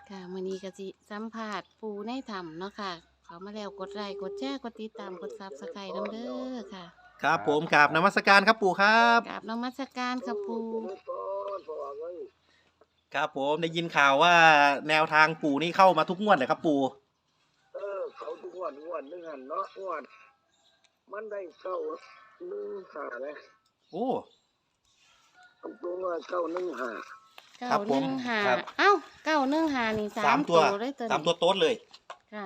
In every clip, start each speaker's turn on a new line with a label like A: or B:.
A: ค่ะมื้อนี้ก็สิสัมภาษณ์ปู่ในถ้ำเนาะค่ะเขามาแล้วกดไลค์กดแชร์กดติดตามกด Subscribe นำเด้อค่ะ
B: ครับผมกราบนมัสการครับปู่ครับ
A: กราบนมัสการค่ะปู่
B: ครับผมได้ยินข่าวว่าแนวทางปู่นี่เข้ามาทุกงวดเลยครับปู่
C: เขาทุกงวดนึงหันเนาะงวดมันได้เก้าหนึ่งหาเลย
B: โอ้
C: ตัวว่าเก้าหนึ่งหา
B: ครับผม
A: 915
B: ครับ
A: เอ้า915นี่
B: สามตัว
A: ตัวเลยตัว
B: สาม
A: นี้
B: ตัวโต๊ดเลย
A: ค่ะ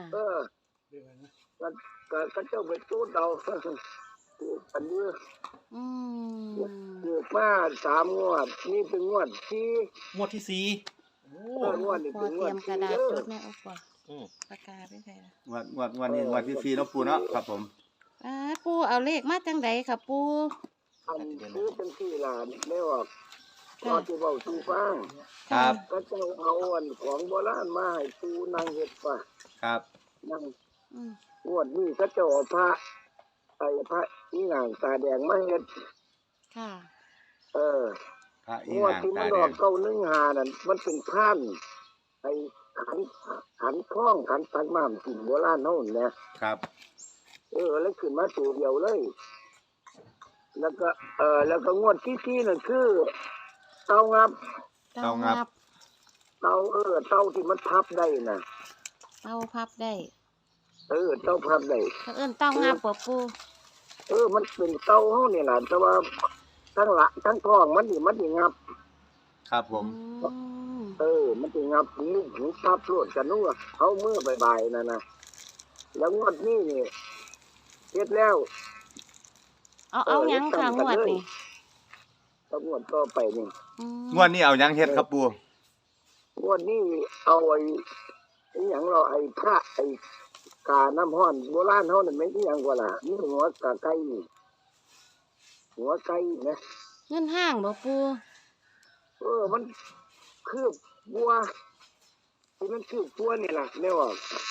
C: ก็เจ้าไปตู้เดาอันนี้
A: อืม
C: เกิดมา3 งวดนี่เป็นงวดที่
B: งวดที่สี่โอ้
C: งวดนี่
A: พอ
C: เป็นง
A: เต
C: ว
A: รี
C: ด
A: ยมก
C: ที่
A: ระดาษ
C: เด้อ
A: จดแม่เอาก่อน
B: อืม
A: ปากกาไปใส่ละ
D: งวดนี้งวดที่สี่เนาะปู่เนาะครับผม
A: ปู่เอาเลขมาจังใดค่ะปู่
C: อันซื้อเป็นที่หลานไม่ออกพอที่เบาสูฟัง
D: ครับ
C: ก็เจ้าเอาอันของโบราณมาให้ปูนางเห็ดป่ะ
D: ครับ
C: นั่ง
A: อืม
C: งวดนี้ก็เจ้าเอาพระพระอีหงางตาแดงมาเฮ็ด
A: ค่ะ
C: เออ
D: พระอี
C: งวด
D: หาง
C: ที่มั
D: ตาน แด
C: ออง กเก้าหนึ่งหานั่นมันเป็นพานไอ้ขันคล้องขันตักน้ำกินโบราณเฮานั่นนะครับ แล้วขึ้นมาตัวเดียวเลย แล้วก็แล้วก็งวดที่สี่นั่นคือเตางับ
A: เต้างับ
C: เตาเตาที่มันพับได้น่ะ
A: เต้าพับได้
C: เตาพับได้
A: เขาเอิ้นเต้างับบ่ปู่
C: มันเป็นเตาเฮานี่ล่ะแต่ว่าทั้งหละทั้งท้องมันนี่งับ
D: ครับผม
A: อืม
C: มันจะงับนิ้วหูทับรวดกันนู่นเขาเมื่อบ่ายๆนั่นนะแล้วงวดนี้นี่เฮ็ดแล้ว
A: เอาหยังค่ะงวดนี่
C: ต้องงวดต่อไปนี่
A: อืม
D: งวดนี้เอายังเฮ็ดครับปู่
C: งวดนี้เอาไอ้หยังเราไอ้พระไอ้กาน้ำห้อนโบราณเฮานั่นแม่นอีหยังกว่าล่ะนี่หัวกาไก่นี่หัวไก่นะ
A: เงินห้างบ่ปู่
C: มันคือบัวที่มันคือบัวนี่ล่ะแม่ว่า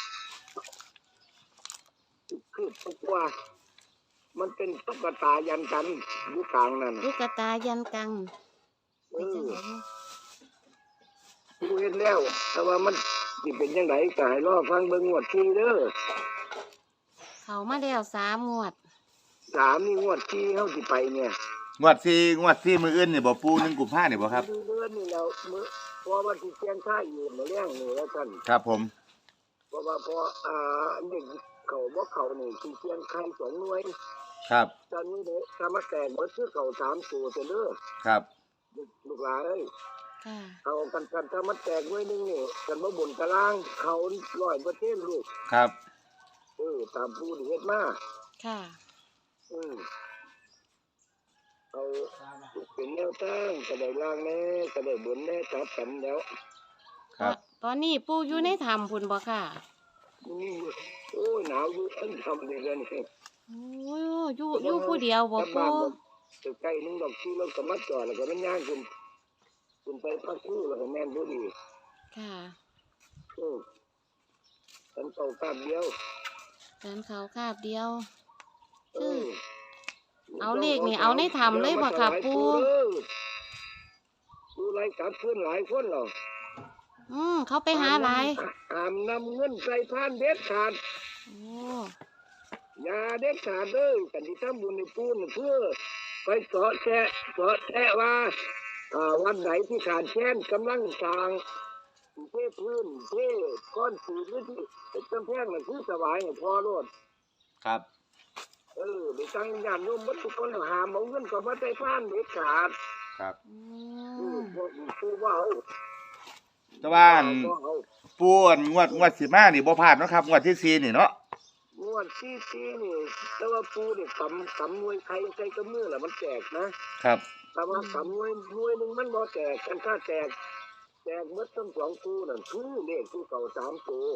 C: คือบัวมันเป็นตุ๊กตายันกันอยู่กลางนั่น
A: ลูกกระตายันกัง
C: เอ
A: ไปจัง
C: อ
A: ได๋
C: ดูเห็นแล้ว แต่ว่ามันสิเป็นยังไงก็ให้รอฟังเบิ่งงวดที่เด้อ
A: เขามาแล้ว3 งวด
C: นี่งวดที่เฮาสิไปเนี่ย
D: งวดสี่มื้ออื่นนี่บ่ปู่1 กุมภาพันธ์นี่บ่ครับ
C: ดูเดือนนี่แล้วมื้อเพราะว่าสิเสียงค่ายอยู่มื้อแรงนี่แล้วกัน
D: ครับผม
C: เพราะว่าเด็กเขาบ่เขานี่สิเสียงค่าย2 หน่วย
D: ครับ
C: ตอนนี้เด้ถ้ามาแต่งเบิดคือเขา3 ตัวเด้อ
D: ครับ
C: ลูกหลานเอ้ย
A: ค่ะ
C: เขากันถ้ามาแต่งหน่วยหนึงนี่กันบ่บนตารางเขา100%ลูก
D: ครับ
C: ตามผู้ที่เฮ็ดมา
A: ค่ะ
C: เอาเป็นแนวตั้งก็ได้ล่างแน่ก็ได้บนแน่จับกันแล้ว
D: ครับ
A: ตอนนี้ปู่อยู่ในถ้ำพุ่นบ่ค่ะ
C: นี่หนาวอยู่อันทำเลยกันนี่
A: โอ้ยอยู่ผู้เดียวบ่
C: บ้า
A: ปู่
C: นใกล้นึงดอกที่เราก็มาจอดแล้วก็มันย่างคุณไปพักคู่แล้วก็แม่นบ่ดี
A: ค่ะ
C: ฉันเก่าตามเดียว
A: เดินเขาคาบเดียว
C: เออ
A: เอาเลขนี่เอาในถ้ำเลยบ่ค่ะปู่
C: ดูรายการเพื่อนหลายคนเหรอ
A: เขาไปหาหลาย
C: นำเงินใส่พานเด็ดขาด
A: โอ้
C: อย่าเด็ดขาดเลยกันที่ทำบุญในปูนเพื่อไปเสาะแสะว่าวันไหนที่ขาดแค้นกำลังสร้างเทพื้นเทก้อนสีหรือที่เป็นกำแพงน่ะคือสบายให้พอรด
D: ครับ
C: ไปตั้งญาติโยมวัดทุกคนหามเอาเงินก็มาใส่พานเด็ดขาด
D: ครับ
C: พวกผู้ว่าเอา
D: แต่ว่าอัน
C: เอา
D: ปู่อันงวดสิมานี่บ่พลาดเนาะครับงวดที่สี่นี่เนาะ
C: งวดที่นี่แต่ว่าปูเนี่ยกำมวยใครใครก็มือแหละมันแจกนะครับ แต่ว่ากำมวยหนึ่งมันบ่แจกกันถ้าแจกเมื่อต้น2 ปูนั่นคือเลขที่เก่า3 ปู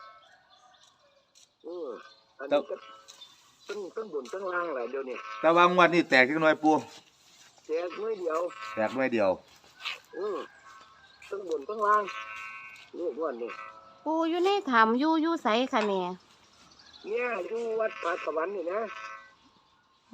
C: อันนี้ก็ตั้งบนตั้งล่างแหละเดี๋ยวนี้
D: แต่ว่างวดนี้แตกจักหน่อยปู่
C: แจกน้อยเดียว
D: แตกหน่อยเดียว
C: ตั้งบนตั้งล่างเลขวันนี้
A: ปู่อยู่ในถ้ำอยู่ไสค่ะแม่
C: เนี่ยอยู่วัดป่าสวรรค์นี่นะ
A: โอ้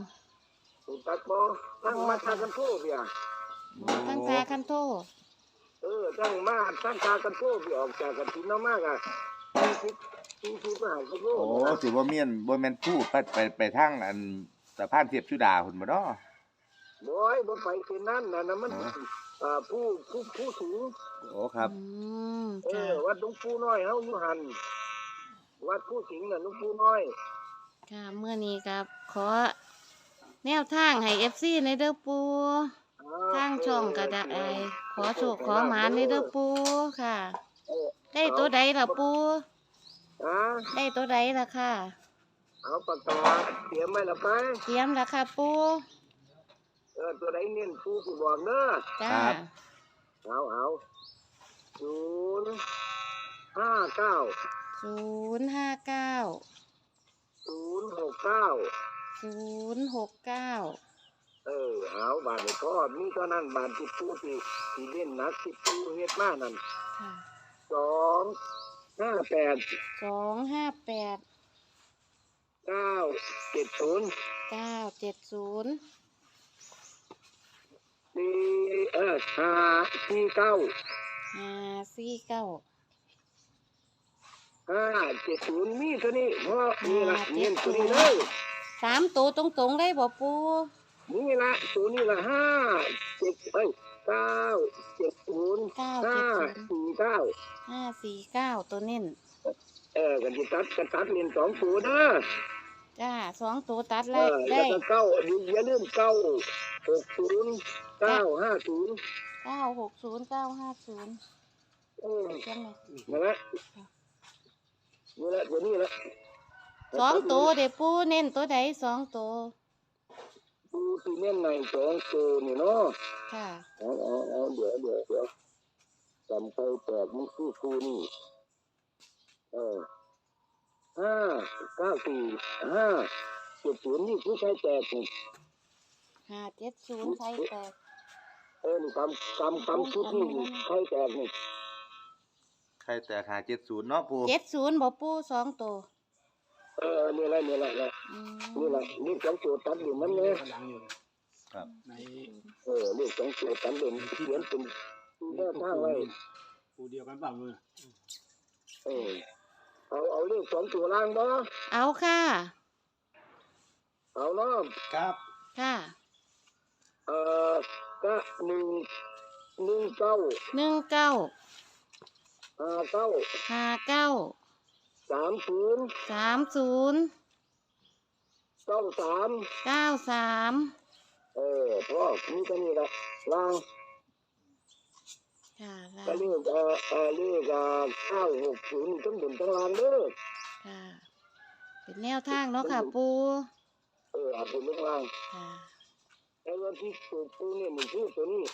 C: ถูกตักบ่ตั้งมาทางกันโทษเพีย
A: ทั้งซาคันโต
C: ตั้งมาตั้งตากันโตพี่ออกจากกันทินมากอ่ะที่ก็หายกันโต
D: โอ้สิบ่แม่นพูดไปทางอันสะพานเทียบสุดาพุ่นบ่เนาะ
C: บ่ไปเส้นนั้นนะมันผู้สูง
D: โอ้ครับ
A: ค่ะ
C: วัดหลวงปู่น้อยเฮาอยู่หันวัดผู้สิงห์น่ะหลวงปู่น้อย
A: ค่ะเมื่อนี้ครับขอแนวทางให้ FC ในเด้อปูทางช่องก็ได้ขอโชคขอหมานในเด้อปูค่ะ ได้ตัวใดล่ะปู ได้ตัวใดล่ะค่ะ
C: เอาปากกาเตรียมไว้ละไป
A: เตรียมล่ะค่ะปู
C: ตัวใดเน้นปู่สิบอกเด้อ
A: จ้า
C: เอา059
A: 059
C: 069
A: 069
C: เอาบาทนี่ก็มีเท่านั้นบาทที่ปู่ที่เล่นนักที่ปู่เฮ็ดมานั่น
A: ค่ะ
C: 258
A: 258
C: 970
A: 970
C: 549
A: 549
C: 570มีเท่านี้เพราะนี่ละเน้นตัวนี้เลย
A: 3ตัวตรงๆได้บ่ปู
C: นี่ละตัวนี้ละ970 549
A: 549ตัวเน้น
C: กันที่ตัดเล่น2ตัวเด้อ
A: จ้า2ตัวตัด
C: แล้
A: ได้
C: วก็อย่าลืม960 950
A: 960 950จังได๋
C: นั่นแหละตัวนี้ละ
A: 2ตัวเด้ปูเน้นตัวใด2ตัว
C: ปูที่เน้นใน2ตัวนี่เนาะ
A: ค่ะ
C: เอาเดี๋ยวจำไปแตกมันคือปูนี่594 570นี่คือใช้แตกนี่
A: 570ใส่แตก
C: นี่กำชุดนี่ใช้แตกนี่
D: ใครแต่หา70เนาะปู่
A: 70บ่ปู2ตัว
C: นี่แหละนี่แหละ
A: อืม
C: นี่2ตัวตัดอยู่มันเนี่ย
D: ครับ
C: นี่2ตัวตัดเด่นเขียนเป็นแนวทางไว้
E: ปูเดียวกันเปล่ามือ
C: เอาเลข2ตัวล่างบ่
A: เอาค่ะ
C: เอาเนาะ
E: ครับ
A: ค่ะ
C: ก็19
A: 19
C: 59
A: 59
C: 30
A: 30
C: 93
A: 93
C: พ่อมีแค่นี้ละล่าง
A: ค่ะ
C: ก็เลขเลข960ทั้งบนทั้งล่างเด้อ
A: ค่ะ เป็นแนวทางเนาะค่ะปู
C: เอาเป็นทั้งล่าง
A: ค่ะ
C: แล้ววันที่ปูเนี่ยมันคือตัวนี้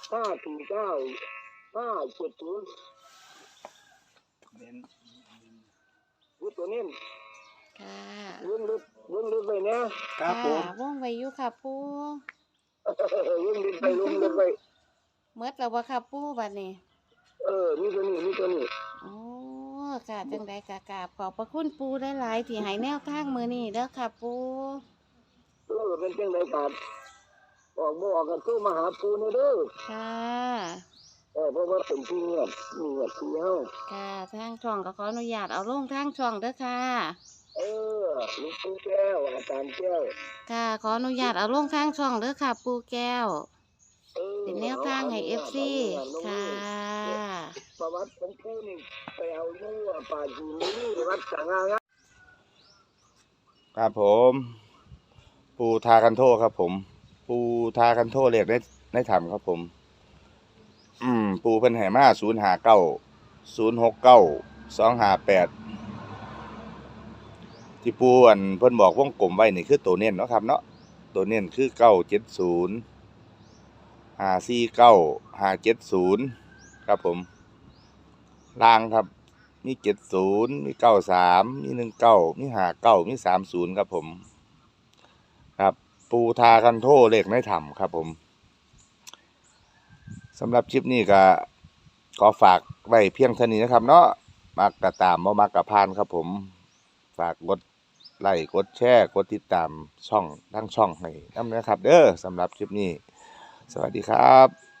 C: 549 570
E: เน้น
C: คือตัวนี้
A: ค่ะ
C: เรื่องลึกไปนะ
E: ครับผม
A: ค่ะว่องไวอยู่ค่ะปู
C: เรื่องลึกไป
A: เมื่อแล้วบ่ค่ะปูบัดนี้
C: มีตัวนี้
A: โอ้ค่ะจังใดกะกราบขอบพระคุณปูหลายๆที่ให้แนวทางมื้อนี้เด้อค่ะปู
C: เป็นจังไดครับออกบ่ออกกันคือมาหาปูนี่เด้อ
A: ค่ะ
C: เพราะว่าเป็นที่เงียบที่เฮา
A: ค่ะทางช่องก็ขออนุญาตเอาลงทางช่องเด้อค่ะ
C: หลวงปู่แก้วอาจารย์แก้ว
A: ค่ะขออนุญาตเอาลงทางช่องเด้อค่ะ ปูแก้ว เป็นแนวทางให้ FC ค่ะ
C: ประวัติของปูนี่ไปเอาอยู่ป่าจีนนี่วัดสังฆา
D: ครับผม ปูทากันโทครับผม ปูทากันโทเลขได้ทำครับผม ปูเพิ่นให้มา059 069 258ที่ปูเพิ่นบอกวงกลมไว้นี่คือตัวเน้นเนาะครับเนาะตัวเน้นคือ970 549 570ครับผมล่างครับมี70มี93มี19มี59มี30ครับผมครับปูทากันโทเลขในถ้ำครับผมสำหรับคลิปนี้ก็ขอฝากไว้เพียงเท่านี้นะครับเนาะมักกะตามบ่มักกะพานครับผมฝากกดไลค์กดแชร์กดติดตามช่องทั้งช่องให้นำนะครับเด้อสำหรับคลิปนี้สวัสดีครับ